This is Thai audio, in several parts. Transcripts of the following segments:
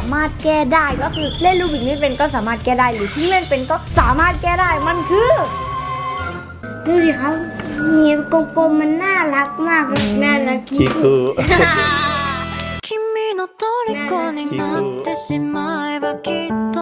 ามารถแก้ได้ก็คือเล่นรูบิกไม่เป็นก็สามารถแก้ได้หรือที่เล่นเป็นก็สามารถแก้ได้มันคือดูดิครับเนี่ยกลมๆมันน่ารักมากเลยน่ารักคิคู君の虜になってしまえばきっと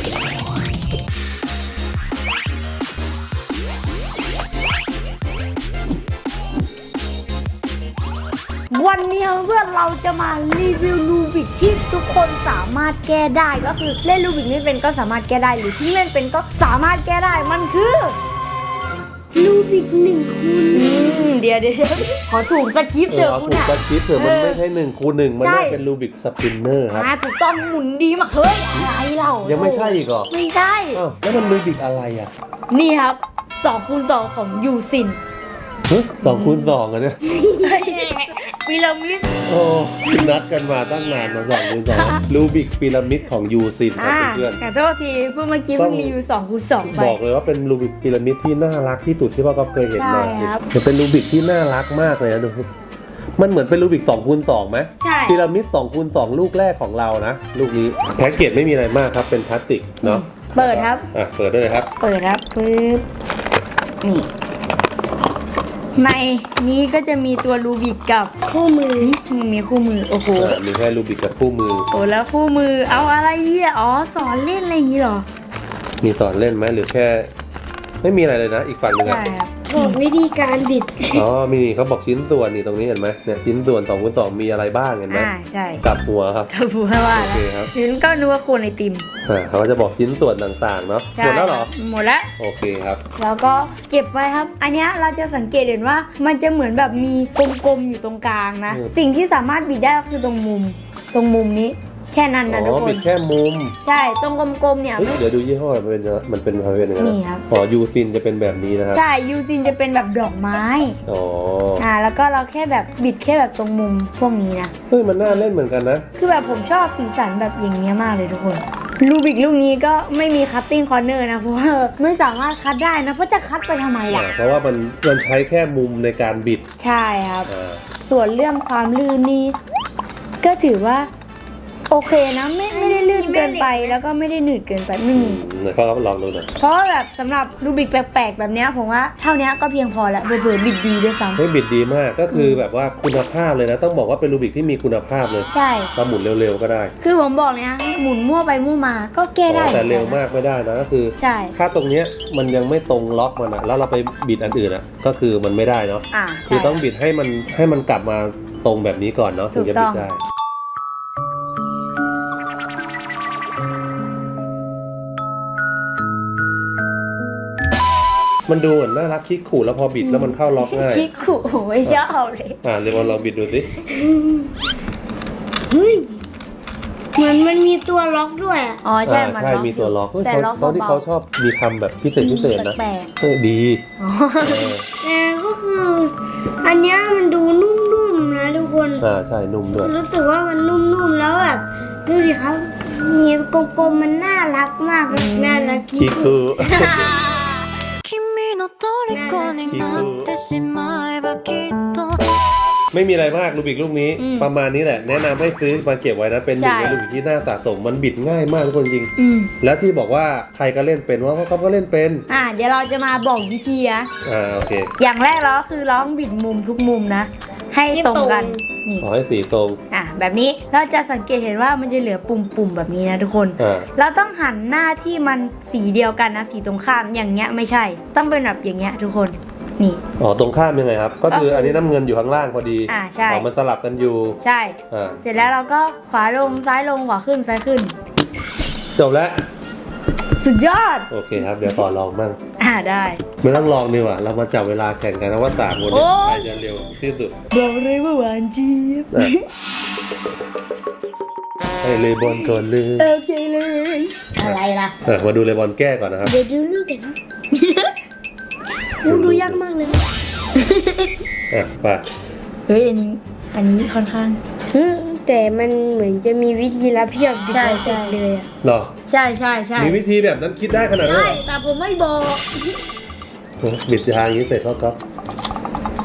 วันนี้เพื่อนเราจะมารีวิวรูบิกที่ทุกคนสามารถแก้ได้ก็คือเล่นรูบิกไม่เป็นก็สามารถแก้ได้หรือที่เล่นเป็นก็สามารถแก้ได้มันคือรูบิก1 คูณเดี๋ยวขอถูกสคริปต์เถอะคุณถูกอะสคริปต์เถอะมันไม่ใช่1 คูณ 1มันน่าเป็นรูบิกสปินเนอร์ครับถูกต้องหมุนดีมากเฮ้ยอะไรเรายัยังไม่ใช่อีกเหรอไม่ใช่แล้วมันรูบิกอะไรอ่ะนี่ครับ2x2ของยูซิน 2 คูณ 2อ่ะเนี่ยพีระมิดโอ้นัดกันมาตั้งนานมา2 คูณ 2รูบิกพีระมิดของยูซินครับเพื่อนแต่โทษทีเมื่อกี้มันรีวิว2x2ไปบอกเลยว่าเป็นรูบิกพีระมิดที่น่ารักที่สุดที่พ่อก็เคยเห็นมามันเป็นรูบิกที่น่ารักมากเลยนะดูมันเหมือนเป็นรูบิก2 คูณ 2ไหมใช่พีระมิด2 คูณ 2ลูกแรกของเรานะลูกนี้แพ็กเกจไม่มีอะไรมากครับเป็นพลาสติกเนาะเปิดครับเปิดได้เลยครับเปิดครับปึ๊บนี่ในนี้ก็จะมีตัวรูบิกกับคู่มือมีคู่มือโอ้โหมีแค่รูบิกกับคู่มือโอ้แล้วคู่มือเอาอะไรเนี่ยอ๋อสอนเล่นอะไรอย่างนี้หรอมีสอนเล่นไหมหรือแค่ไม่มีอะไรเลยนะอีกฝั่งหนึ่งอะบอกวิธีการบิดมีเขาบอกชิ้นส่วนนี่ตรงนี้เห็นไหมเนี่ยชิ้นส่วน2 คูณ 2มีอะไรบ้างเห็นไหมใช่กับหัวครับกับหัวว่าแล้วถึงก็นึกว่าโคนไอติมเขาจะบอกชิ้นส่วนต่างๆเนาะหมดแล้วเหรอหมดแล้วโอเคครับแล้วก็เก็บไว้ครับอันนี้เราจะสังเกตเห็นว่ามันจะเหมือนแบบมีกลมๆอยู่ตรงกลางนะสิ่งที่สามารถบิดได้ก็คือตรงมุมนี้แค่นั้นนะทุกคนบิดแค่มุมใช่ตรงกลมๆเนี่ยเดี๋ยวดูยี่ห้อมันเป็นยังไงนี่ครับยูซินจะเป็นแบบนี้นะครับใช่ยูซินจะเป็นแบบดอกไม้แล้วก็เราแค่แบบบิดแค่แบบตรงมุมพวกนี้นะมันน่าเล่นเหมือนกันนะคือแบบผมชอบสีสันแบบอย่างเงี้ยมากเลยทุกคนรูบิกลูกนี้ก็ไม่มีคัตติ้งคอร์เนอร์นะเพราะว่าไม่สามารถคัตได้นะเพราะจะคัตไปทำไมล่ะเพราะว่ามันใช้แค่มุมในการบิดใช่ครับส่วนเรื่องความลื่นนี่ก็ถือว่าโอเคนะไม่ได้ลื่นเกินไปแล้วก็ไม่ได้หนืดเกินไปไม่มีเขาลองดูหน่อยเพราะแบบสำหรับรูบิกแปลกๆแบบนี้ผมว่าเท่านี้ก็เพียงพอแล้วเผื่อบิดดีด้วยซ้ำบิดดีมากก็คือแบบว่าคุณภาพเลยนะต้องบอกว่าเป็นรูบิกที่มีคุณภาพเลยใช่ถ้าหมุนเร็วๆก็ได้คือผมบอกเลยนะหมุนมั่วไปมั่วมาก็แก้ได้แต่เร็วมากไม่ได้นะก็คือใช่ถ้าตรงเนี้ยมันยังไม่ตรงล็อกมันอะแล้วเราไปบิดอันอื่นอะก็คือมันไม่ได้เนาะคือต้องบิดให้มันกลับมาตรงแบบนี้ก่อนเนาะถึงจะบิดได้มันดูเหมือนน่ารักคิกขู่แล้วพอบิดแล้วมันเข้าล็อกง่ายคิกขู่ไม่ชอบเลยเดี๋ยวลองบิดดูสิเหมือนมันมีตัวล็อกด้วยใช่มีตัวล็อกแต่เขาที่เขาชอบมีคำแบบพิเศษนะดีแต่ก็คืออันนี้มันดูนุ่มๆนะทุกคนใช่นุ่มด้วยรู้สึกว่ามันนุ่มๆแล้วแบบดูดิครับเนี่ยกลมๆมันน่ารักมากน่ารักคิกขู่ไม่มีอะไรมากรูบิกลูกนี้ประมาณนี้แหละแนะนำให้ซื้อมาเก็บไว้นะเป็นหนึ่งในรูบิกที่น่าสะสมมันบิดง่ายมากทุกคนจริงแล้วที่บอกว่าใครก็เล่นเป็นว่าเขาก็เล่นเป็นเดี๋ยวเราจะมาบอกวิธีนะโอเคอย่างแรกเราคือร้องบิดมุมทุกมุมนะให้ตรงกันนี่ขอให้สีตรงแบบนี้เราจะสังเกตเห็นว่ามันจะเหลือปุ่มแบบนี้นะทุกคนเราต้องหันหน้าที่มันสีเดียวกันนะสีตรงข้ามอย่างเงี้ยไม่ใช่ต้องเป็นแบบอย่างเงี้ยทุกคนนี่ตรงข้ามยังไงครับก็คืออันนี้น้ำเงินอยู่ข้างล่างพอดีใช่มันสลับกันอยู่ใช่เสร็จแล้วเราก็ขวาลงซ้ายลงขวาขึ้นซ้ายขึ้นจบแล้วสุดยอดโอเคครับเดี๋ยวขอลองบ้างได้ไม่ต้องลองดีกว่าเรามาจับเวลาแข่งกันนะว่าต่างคนใครจะเร็วที่สุดบอกเลยว่าหวานเจี๊ยบให้เลบอนก่อนเลยโอเคเลยอะไรล่ะมาดูเลบอนแก้ก่อนนะครับเดี๋ยวดูลูกกันดูยากมากเลยไปเฮ้ยอันนี้ค่อนข้างแต่มันเหมือนจะมีวิธีรับเพียบใช่เลยหรอใช่มีวิธีแบบนั้นคิดได้ขนาดนั้นใช่แต่ผมไม่บอกบิดทางนี้เสร็จแล้วครับ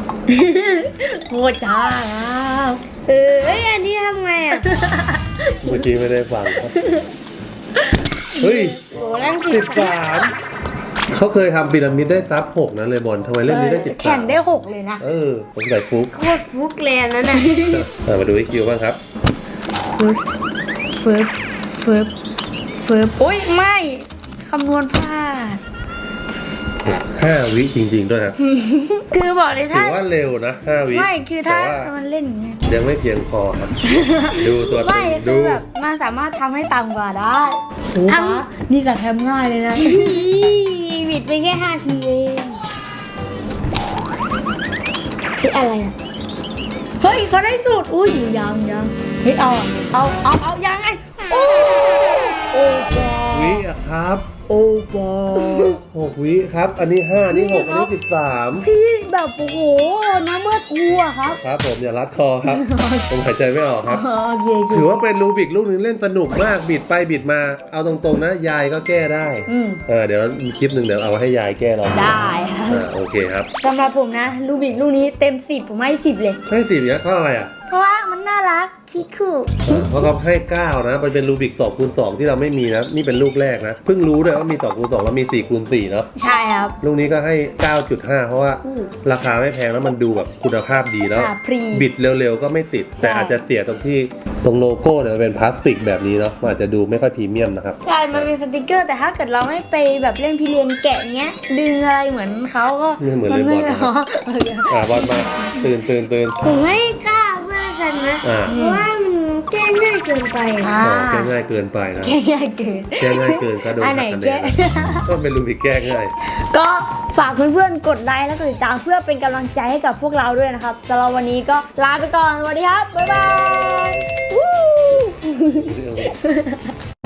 โคตรช้าอันนี้ทำไงเมื่อกี้ไม่ได้ฟังครับเฮ้ยโอ้นั่ง 13เขาเคยทำพีระมิดได้ซับ6นะเลยบอลทำไมเล่มนี้ได้13 แข่งได้6เลยนะผมใส่ฟุกโคตรฟุกเลยอันนั่นน่ะมาดูไอคิวบ้างครับฟึบโอ้ยไม่คำนวณพลาด 5 วิจริงๆด้วยครับคือบอกเลยถืถ้าอว่าเร็วนะ5 วิไม่คือถ้าแต่ว่ามันเล่นอย่างเงี้ยยังไม่เพียงพอครับ ดูตัวไม่ดูคือแบบมันสามารถทำให้ต่ำกว่าได้โอ้โหนี่กับแคมง่ายเลยนะบิดไปแค่5 ทีเองที่อะไรอ่ะเฮ้ยเขาได้สูตรอุ้ยยังเฮ้ยเอายังไงโอ้บอวิอะครับโอ้บอ 6 วิครับ อันนี้5นี่6อันนี้13 ที่แบบโอ้โหน้ำเมื่อทัวครับครับผมอย่ารัดคอครับ ผมหายใจไม่ออกครับโอเคถือว่าเป็นรูบิกลูกนึงเล่นสนุกมากบิดไปบิดมาเอาตรงๆนะยายก็แก้ได้ เดี๋ยวมีคลิปหนึ่งเดี๋ยวเอาให้ยายแก้เราได้ครับโอเคครับสำหรับผมนะลูบิกลูกนี้เต็ม10ผมให้10เลยให้4เนี่ยเพราะอะไรอ่ะเพราะว่ามันน่ารักคิคูเพราะเขาให้9นะมันเป็นรูบิก2x2ที่เราไม่มีนะนี่เป็นลูกแรกนะเพิ่งรู้ด้วยว่ามี2x2แล้วมี4x4เนาะใช่ครับลูกนี้ก็ให้ 9.5 เพราะว่าราคาไม่แพงแล้วมันดูแบบคุณภาพดีแล้วพรีบิดเร็วๆก็ไม่ติด แต่อาจจะเสียตรงที่ตรงโลโก้เนี่ยมันเป็นพลาสติกแบบนี้เนาะมันอาจจะดูไม่ค่อยพรีเมียมนะครับใช่มันเป็นสติกเกอร์แต่ถ้าเกิดเราไม่ไปแบบเล่นพิเรียนแกะเงี้ยดึงอะไรเหมือนเขาก็ไม่เหมือนเลยบอลนะครับ บอลมาตื่นผมให้9เพื่อนกันนะ เพราะว่ามันแก้ง่ายเกินไปแก้ง่ายเกินไปนะแก้ง่ายเกินแก้ง่ายเกินก็โดนอันไหนหักคะแนแก้นก็เป็นรูบิกแก้ง่ายก็ฝากเพื่อนๆกดไลค์และกดติดตามเพื่อเป็นกำลังใจให้กับพวกเราด้วยนะครับสำหรับวันนี้ก็ลาไปก่อนสวัสดีครับบ๊ายบาย